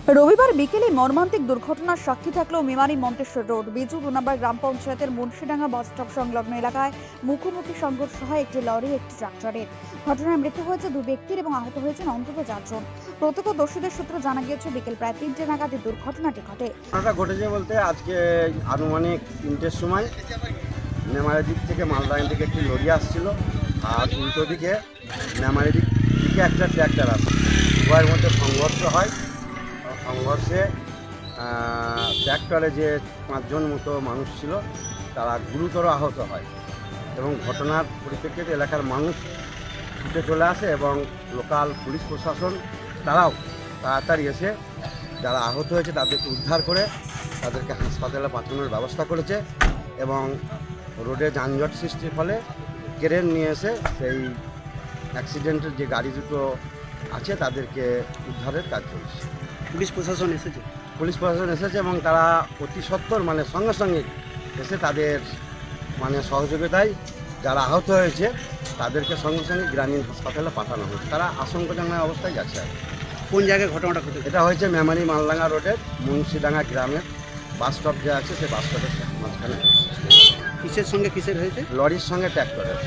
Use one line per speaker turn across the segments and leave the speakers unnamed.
রবিবার বিকেলে মর্মান্তিক দুর্ঘটনার সাক্ষী থাকলেও মেমারি মন্তেশ্বর রোড বিজু 2 নম্বর গ্রাম পঞ্চায়েতের মুন্সিডাঙ্গা বাস স্টপ সংলগ্ন এলাকায় মুখোমুখি সংঘর্ষ হয় একটি লরি একটি ট্রাক্টরের। ঘটনায় মৃত্যু হয়েছে 2 ব্যক্তির এবং আহত হয়েছেন অন্তত 4 জন। প্রত্যক্ষদর্শীদের সূত্রে জানা গিয়েছে বিকেল প্রায় 3টে নাগাদ এই দুর্ঘটনাটি ঘটে।
ঘটনাটা ঘটেছে বলতে আজকে আনুমানিক 3টের সময় মেমারির দিক থেকে মালদাঙ্গা দিকে একটি লরি আসছিল, আর উল্টো দিকে মেমারির দিকে একটা ট্র্যাক্টর আসছে। উভয়ের মধ্যে সংঘর্ষ হয়। সংঘর্ষে ট্র্যাক্টরে যে 5 জন মতো মানুষ ছিল তারা গুরুতর আহত হয় এবং ঘটনার পরিপ্রেক্ষিতে এলাকার মানুষ ছুটে চলে আসে এবং লোকাল পুলিশ প্রশাসন তারাও তাড়াতাড়ি এসে যারা আহত হয়েছে তাদেরকে উদ্ধার করে তাদেরকে হাসপাতালে পাঠানোর ব্যবস্থা করেছে এবং রোডে যানজট সৃষ্টির ফলে ক্রেন নিয়ে এসে সেই অ্যাক্সিডেন্টের যে গাড়ি দুটো আছে তাদেরকে উদ্ধারের কাজ চলছে।
পুলিশ প্রশাসন এসেছে
এবং তারা অতি সত্বর সঙ্গে সঙ্গে এসে তাদের সহযোগিতায় যারা আহত হয়েছে তাদেরকে সঙ্গে সঙ্গে গ্রামীণ হাসপাতালে পাঠানো হয়েছে। তারা আশঙ্কাজনক অবস্থায় যাচ্ছে।
কোন জায়গায় ঘটনাটা ঘটেছে?
এটা হয়েছে মেমারি মালডাঙ্গা রোডের মুন্সিডাঙ্গা গ্রামের বাস স্টপ যে আছে সেই বাস স্টপের মাঝখানে।
কিসের সঙ্গে কিসের হয়েছে?
লরির সঙ্গে ট্র্যাক্টরের।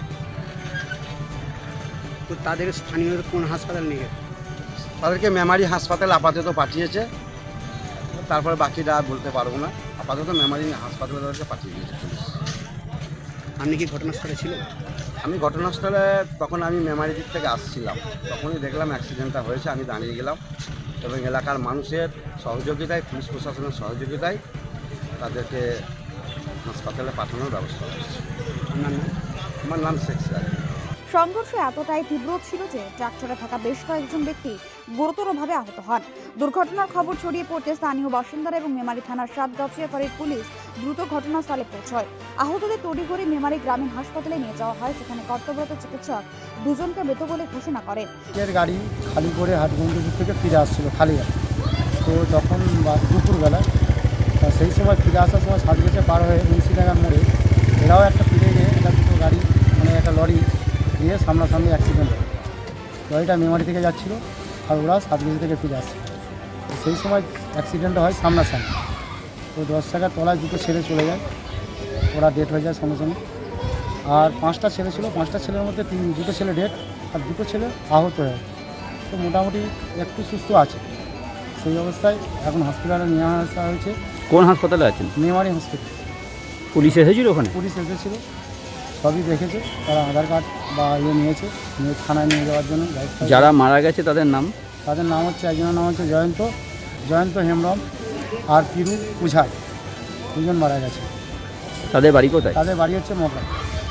তো তাদের স্থানীয় কোন হাসপাতাল নিয়ে গেছে?
তাদেরকে মেমারি হাসপাতালে আপাতত পাঠিয়েছে, তারপরে বাকিটা বলতে পারবো না। আপাতত মেমারি হাসপাতালে তাদেরকে পাঠিয়ে দিয়েছে পুলিশ।
আপনি কি ঘটনাস্থলে ছিলেন?
আমি ঘটনাস্থলে তখন আমি মেমারি দিক থেকে আসছিলাম, তখনই দেখলাম অ্যাক্সিডেন্টটা হয়েছে। আমি দাঁড়িয়ে গেলাম এবং এলাকার মানুষের সহযোগিতায়, পুলিশ প্রশাসনের সহযোগিতায় তাদেরকে হাসপাতালে পাঠানোর ব্যবস্থা হয়েছে।
আপনার নাম?
আমার নাম শেখ সিরাজ।
সংঘর্ষ এতটাই তীব্র ছিল যে ট্রাক্টরে থাকা বেশ কয়েকজন ব্যক্তি গুরুতরভাবে আহত হন। দুর্ঘটনার খবর ছড়িয়ে পড়তে স্থানীয় বাসিন্দারা এবং মেমারি থানার সাতগাছিয়া ফাঁড়ির পুলিশ দ্রুত ঘটনাস্থলে পৌঁছয়। আহতদের তড়িঘড়ি মেমারি গ্রামীণ হাসপাতালে নিয়ে যাওয়া হয়। সেখানে কর্তব্যরত চিকিৎসক 2 জনকে মৃত বলে ঘোষণা করেন।
গাড়ি খালি করে হাটগঞ্জপুর থেকে ফিরে আসছিল খালি গাড়ি। তো তখন দুপুরবেলা সেই সময় ফিরে আসার সময় সাতগাছিয়া পার হয়ে মুন্সিডাঙ্গার মোড়ে এরাও একটা ফিরে গিয়ে এটা দুটো গাড়ি একটা লরি দিয়ে সামনাসামনি অ্যাক্সিডেন্ট হয়। লরিটা মেমারি থেকে যাচ্ছিলো আর ওরা সাতগাছি থেকে ফিরে আসছে। সেই সময় অ্যাক্সিডেন্টটা হয় সামনাসামনি। তো 10 টাকার তলায় দুটো ছেলে চলে যায়, ওরা ডেথ হয়ে যায় সঙ্গে সঙ্গে। আর 5টা ছেলে ছিল, 5টা ছেলের মধ্যে দুটো ছেলে ডেথ আর দুটো ছেলে আহত হয়ে। তো মোটামুটি একটু সুস্থ আছে। সেই অবস্থায় এখন হসপিটালে নিয়ে আসা হয়েছে।
কোন হাসপাতালে আছেন?
মেমারি হসপিটাল।
পুলিশ এসেছিল ওখানে?
পুলিশ এসেছিল, সবই দেখেছে। তারা আধার কার্ড বা নিয়েছে, নিয়ে থানায় নিয়ে যাওয়ার জন্য।
যারা মারা গেছে তাদের নাম?
তাদের নাম হচ্ছে, একজনের নাম হচ্ছে জয়ন্ত হেমব্রম আর পিরু উঝাই। 2 জন মারা গেছে।
তাদের বাড়ি কোথায়?
তাদের বাড়ি হচ্ছে মগরা।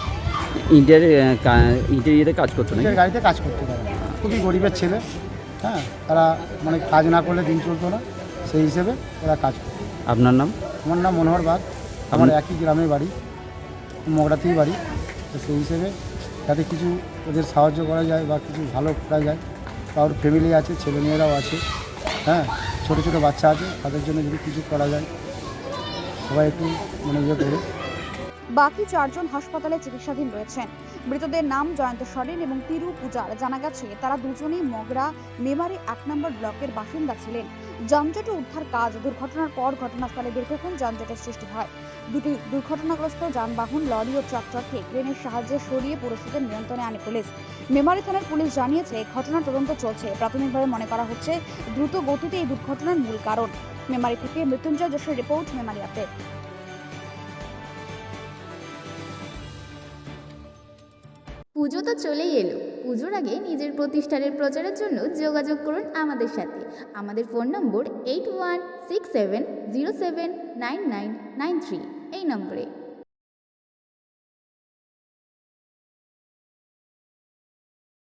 ইন্টেরিয়ারে কাজ করতো না?
গাড়িতে কাজ করতে পারে। খুবই গরিবের ছেলে। হ্যাঁ, তারা কাজ না করলে দিন চলতো না, সেই হিসেবে এরা কাজ করে।
আপনার নাম?
আমার নাম মনোহর বাগ। আমার একই গ্রামে বাড়ি, মগরাতেই বাড়ি। তো সেই হিসেবে যাতে কিছু ওদের সাহায্য করা যায় বা কিছু ভালো করা যায়। কারোর ফ্যামিলি আছে, ছেলেমেয়েরাও আছে, হ্যাঁ, ছোটো ছোটো বাচ্চা আছে, তাদের জন্য যদি কিছু করা যায় সবাই একটু করে।
বাকি 4 জন হাসপাতালে চিকিৎসাধীন রয়েছেন। মৃতদের নাম জয়ন্ত সরেন এবং তিরু পূজার। জানা গেছে তারা দুজনেই মগরা মেমারি 1 নম্বর ব্লকের বাসিন্দা ছিলেন। যানজটে উদ্ধার কাজ। দুর্ঘটনার পর ঘটনাস্থলে দীর্ঘক্ষণ যানজটের সৃষ্টি হয়। দুটি দুর্ঘটনাগ্রস্ত যানবাহন লরি ও ট্রাক্টরকে ক্রেনের সাহায্যে সরিয়ে পরিস্থিতির নিয়ন্ত্রণে আনে পুলিশ। মেমারি থানার পুলিশ জানিয়েছে ঘটনার তদন্ত চলছে। প্রাথমিকভাবে মনে করা হচ্ছে দ্রুত গতিতে এই দুর্ঘটনার মূল কারণ। মেমারি থেকে মৃত্যুঞ্জয় যশের রিপোর্ট, মেমারি আপডেট।
পুজো তো চলেই এলো। পুজোর আগে নিজের প্রতিষ্ঠানের প্রচারের জন্য যোগাযোগ করুন আমাদের সাথে। আমাদের ফোন নম্বর 8167079993 এই নম্বরে।